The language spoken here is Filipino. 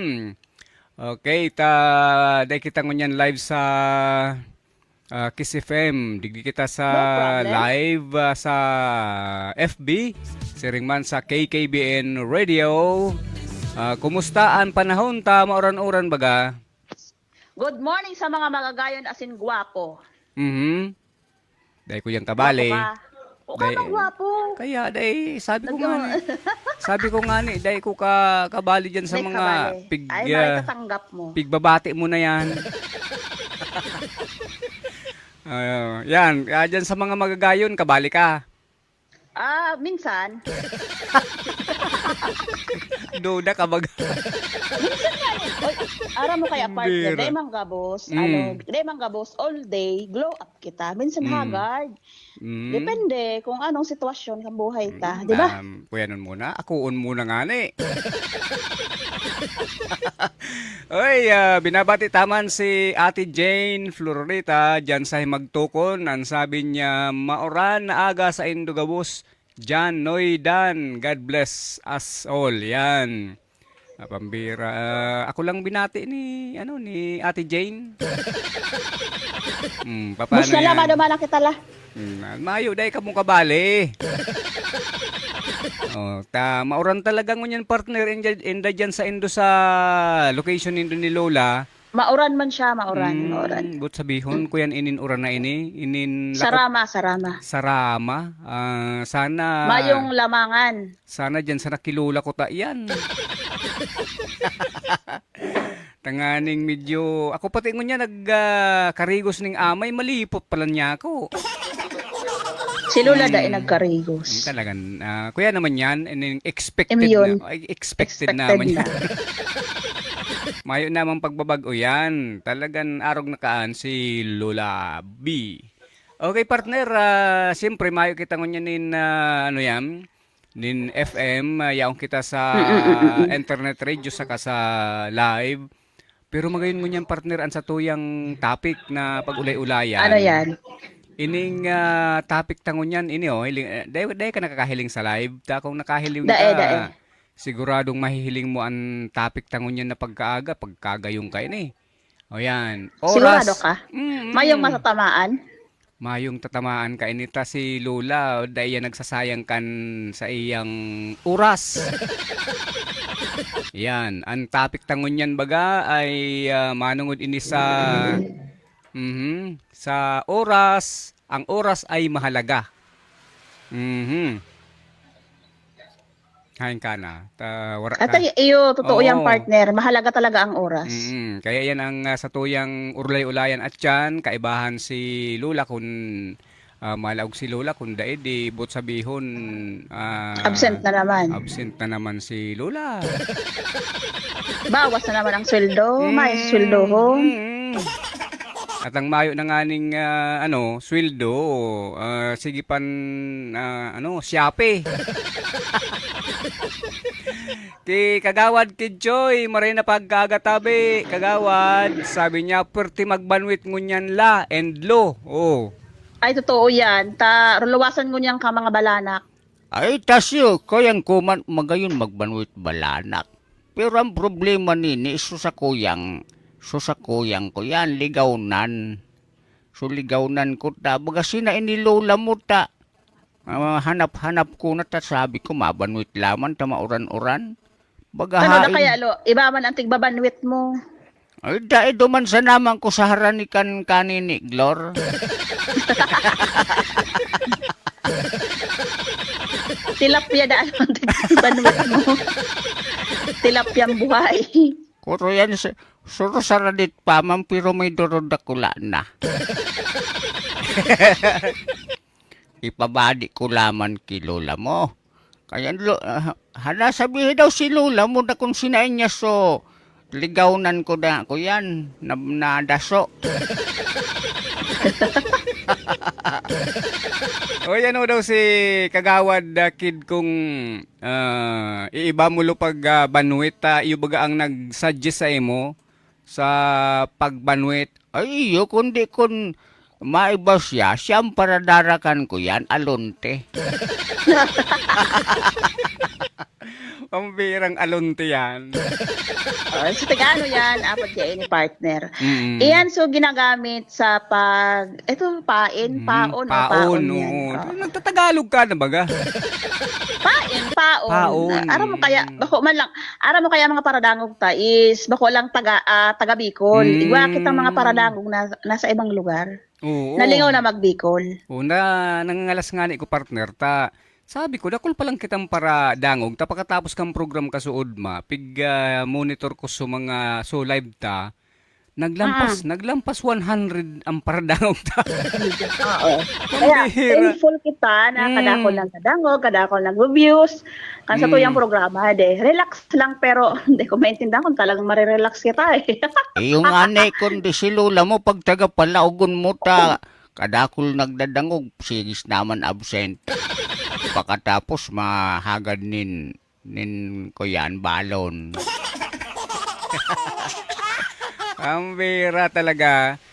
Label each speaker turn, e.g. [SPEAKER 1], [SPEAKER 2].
[SPEAKER 1] Okay, dahil kita ngunyan live sa Kiss FM. Digdi kita sa
[SPEAKER 2] No problem.
[SPEAKER 1] live sa FB. Siring man sa KKBN Radio. Kumusta ang panahon ta mauran-uran baga?
[SPEAKER 2] Good morning sa mga magagayon asin gwapo.
[SPEAKER 1] Mhm. Dahil ko yung
[SPEAKER 2] Gwapo
[SPEAKER 1] kabali.
[SPEAKER 2] ka. O ka
[SPEAKER 1] Dahil,
[SPEAKER 2] bang gwapo?
[SPEAKER 1] kaya dahil sabi ko nga
[SPEAKER 2] Nag-
[SPEAKER 1] ni, sabi ko nga ni, dahil ko kabali dyan sa
[SPEAKER 2] Hindi,
[SPEAKER 1] mga
[SPEAKER 2] kabali. Ay, makitatanggap mo.
[SPEAKER 1] pigbabati mo na yan. Yan, dyan sa mga magagayon, kabali ka.
[SPEAKER 2] Minsan.
[SPEAKER 1] Duda ka baga.
[SPEAKER 2] Oy, ara mo kaya partner.
[SPEAKER 1] Bira.
[SPEAKER 2] Day mang gabos.
[SPEAKER 1] Mm.
[SPEAKER 2] Day mang gabos all day. Glow up kita. Minsan haggard.
[SPEAKER 1] Mm.
[SPEAKER 2] Depende kung anong sitwasyon ng buhay ta. Di ba?
[SPEAKER 1] Kuya nun muna. Akuon muna nga ni. Oy, binabati taman si Ate Jane Florita dyan sa Himagtukon. Ang sabi niya, mauran na aga sa Indogabos. Jan Noy Dan, God bless us all. Yan. Pambira. Ako lang binati ni Ate Jane. Paano
[SPEAKER 2] Bus na
[SPEAKER 1] yan?
[SPEAKER 2] lang, naman kita la.
[SPEAKER 1] Mayo dahil ka mong kabali. Mauran talaga ngunyan partner inda dyan sa Indo sa location nindo ni Lola.
[SPEAKER 2] Mauran man siya, mauran.
[SPEAKER 1] But sabihon ko yan inin uran na inin
[SPEAKER 2] Sarama.
[SPEAKER 1] Sarama. Sana
[SPEAKER 2] Mayong lamangan.
[SPEAKER 1] sana dyan sa nakilula ko ta yan. Tanganing medyo ako pati ngunya karigos ning amay malipot pala niya ako.
[SPEAKER 2] Si Lola da nagkarigos.
[SPEAKER 1] Talagang kuya naman yan expected
[SPEAKER 2] Immune.
[SPEAKER 1] na. Ay, expected naman yan. Mayo namang pagbabago yan. Talagang arog na kaan si Lola B. Okay partner, siyempre mayo kita ngunyan nin FM, yaong kita sa internet radio saka sa live. Pero magayon ngunyan partner ang sa tuyang topic na pag-ulay-ulayan.
[SPEAKER 2] Ano yan?
[SPEAKER 1] Ining topic tangon yan, dahil ka nakakahiling sa live, kung nakahiling
[SPEAKER 2] Dae.
[SPEAKER 1] ka, siguradong mahihiling mo ang topic tangon yan na pagkagayong ka ini. O yan.
[SPEAKER 2] Sigurado ka? Mayong matatamaan?
[SPEAKER 1] Mayong tatamaan ka inita si Lola, dahil yan nagsasayang kan sa iyang oras. Yan, ang topic tangon yan baga ay manungod ini sa oras. Ang oras ay mahalaga. Hain ka na.
[SPEAKER 2] At iyo, totoo yung partner. Mahalaga talaga ang oras.
[SPEAKER 1] Kaya yan ang sa tuyang urlay-ulayan at yan, kaibahan si Lola kung malaog si Lola kung daig di but sabihon
[SPEAKER 2] Absent na naman.
[SPEAKER 1] absent na naman si Lola.
[SPEAKER 2] Bawas na naman ang sweldo. May sweldo ho.
[SPEAKER 1] At ang mayo na nganing sweldo, sige pan siyape. Ki kagawad kid Joy, maray na pagkagatabi, kagawad, sabi niya, perti magbanwit ngunyan la and lo. Oh.
[SPEAKER 2] Ay, totoo yan. Rulawasan ko niyang ka mga balanak.
[SPEAKER 3] Ay, tasyo, kayang kuman magayon magbanwit balanak. Pero ang problema nini, susakuyang ko yan, ligawnan. So ligawnan ko ta, baga sina inilola mo ta. Hanap-hanap ko na ta, sabi ko, mabanwit laman, ta mauran-uran. Baga
[SPEAKER 2] Ano na
[SPEAKER 3] hain.
[SPEAKER 2] kaya, Lo? Iba man ang tigbabanwit mo.
[SPEAKER 3] Ay, dahil duman sa naman ko sa haranikan kanini, Glor.
[SPEAKER 2] Tilapia daan ang tigbabanwit mo. Tilapyang buhay.
[SPEAKER 3] Kuro yan, suro saradit pa, pero may dorod akula na. Ipabadi ko laman ki Lola mo. Kaya hala sabihin daw si Lola mo na kung sinain niya so ligawnan ko na ako yan, nadaso.
[SPEAKER 1] O yan daw si kagawad kid kung iiba mo lo pag banwit, iyo baga ang nag-suggest sa imo sa pagbanwit.
[SPEAKER 3] Ay iyo, kundi kun maiba siya, siyang paradarakan ko yan, alonte.
[SPEAKER 1] Pambirang alunti yan.
[SPEAKER 2] So, taga ano yan, apat yan ni partner.
[SPEAKER 1] Mm.
[SPEAKER 2] Iyan, so ginagamit sa paon,
[SPEAKER 1] Paon,
[SPEAKER 2] paon yan.
[SPEAKER 1] oo.
[SPEAKER 2] Oo.
[SPEAKER 1] Nagtatagalog ka na baga?
[SPEAKER 2] Paon.
[SPEAKER 1] Paon.
[SPEAKER 2] Aram mo kaya, bako man lang, aram mo kaya mga paradangog ta is, bako lang taga Bicol. Igwa kitang mga paradangog na nasa ibang lugar.
[SPEAKER 1] Oo.
[SPEAKER 2] Nalingaw na mag-Bicol.
[SPEAKER 1] Una, nangangalas nga ni ko partner ta. Sabi ko, dakol pa lang kitang para dangog. Ta pagkatapos kang program ka suod ma, monitor ko sa mga live ta. Naglampas 100 ang para dangog ta.
[SPEAKER 2] Oo. Kaya,
[SPEAKER 1] Pambihira.
[SPEAKER 2] thankful kita na kadakol ng kadangog, kadakol ng reviews, kan sa tuyang programa, relax lang, pero hindi ko maintindihan kung talagang marirelax kita eh.
[SPEAKER 3] Yung anay kundi si Lola mo, pag taga palaugon mo ta, kadakol nagdadangog, sigis naman absent. Pagkatapos mahagad nin ko yan, balon.
[SPEAKER 1] Ang bira talaga.